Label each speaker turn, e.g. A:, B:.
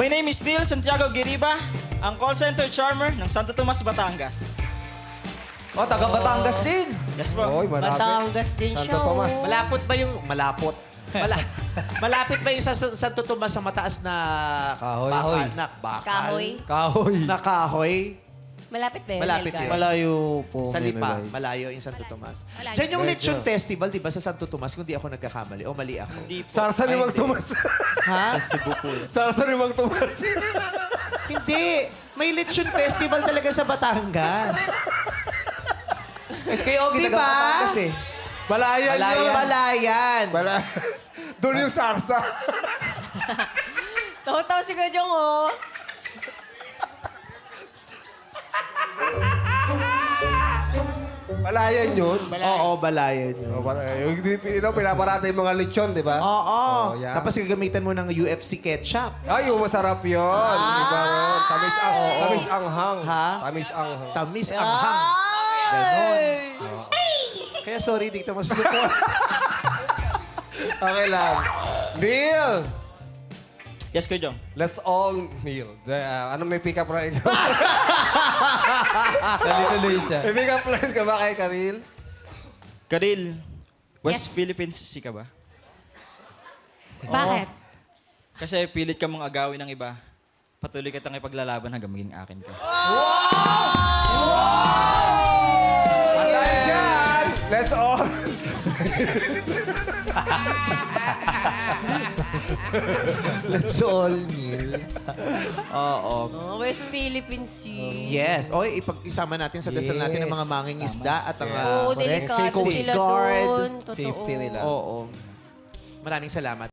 A: My name is Neil Santiago Giriba, ang call center charmer ng Santo Tomas, Batangas.
B: Oh, taga Batangas din.
A: Yes po.
C: Oy, marami.
D: Batangas din
C: Santo
D: siya.
C: Tomas.
D: oh.
E: Malapot ba yung... Malapot. Malapit ba yung sa Santo Tomas sa mataas na...
C: Kahoy.
E: Bakal? Na bakal?
D: Kahoy.
C: Kahoy.
E: Na kahoy?
D: Malapit ba yun?
E: Malapit
D: Helga?
E: yun.
B: Malayo po.
E: Sa
B: May
E: Lipa.
B: Vice.
E: Malayo yung Santo Tomas.
D: Malayo.
E: Diyan yung
C: Medyo.
E: Lechon Festival, di ba, sa Santo Tomas, kung di ako nagkakamali. O mali ako.
A: Hindi po.
C: Sarsa ni Mang Tomas.
E: Ha?
B: Cebu po.
C: Sarsa ni Mang Tomas.
E: Hindi. May Lechon Festival talaga sa Batangas.
B: Kasi kayo,
E: Di
B: taga
E: ba?
B: Batangas eh.
C: Balayan
B: Balayan.
E: Sa
C: yun.
E: Balayan.
C: Doon yung sarsa.
D: Tawa-tawa si Gajong, oh.
C: Balayan yun.
E: Oo, Balayan yun.
C: Yung pinaparata yung mga lechon, di ba?
E: Oo.
C: yan.
E: Tapos gagamitan mo ng UFC ketchup.
C: Ay, yung masarap yun. Di ba? Tamis ang, tamis ang hang.
E: Ha?
C: Tamis ang hang.
E: Tamis ang hang.
D: Ay!
E: Kaya sorry, di kita masusuko.
C: Okay lang. Neil!
A: Yes, Kuya Jong.
C: Let's all kneel. Ano may pick-up line?
B: Tuloy siya.
C: May pick-up line ka ba kay Karil?
A: Karil, West
D: Yes.
A: Philippines si ka ba?
D: Bakit?
A: Kasi pilit ka mong agawin ng iba. Patuloy ka tang ipaglalaban hanggang maging akin ka.
C: At dahil dyan, let's all...
E: Let's all kneel. Oo.
D: Oh, West Philippine Sea.
E: Yes. O, isama natin sa dasal natin ang mga manging isda at ang...
D: Oo,
E: correct.
D: delikado
E: Coast
D: sila
E: Guard.
D: doon. Totoo.
C: Safety nila.
E: Oo. Maraming salamat.